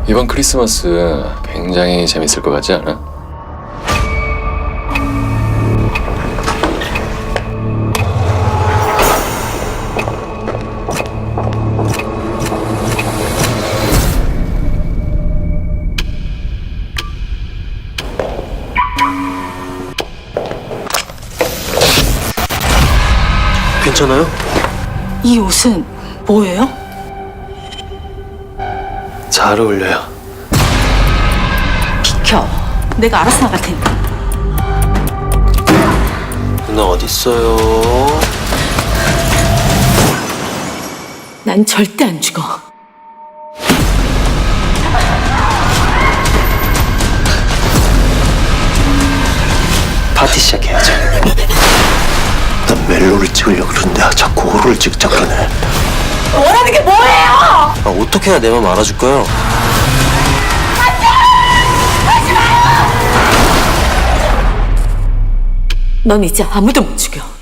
이번 크리스마스 굉장히 재밌을 것 같지 않아? 괜찮아요? 이 옷은 뭐예요? 잘 어울려요. 비켜. 내가 알아서 나갈 테니까. 누나 어딨어요? 난 절대 안 죽어. 파티 시작해야지. 난 멜로를 찍으려고 그러는데 자꾸 호로를 찍자 그러네. 원하는 게 뭐예요? 어떻게 해야 내 맘 알아줄까요? 넌 이제 아무도 못 죽여.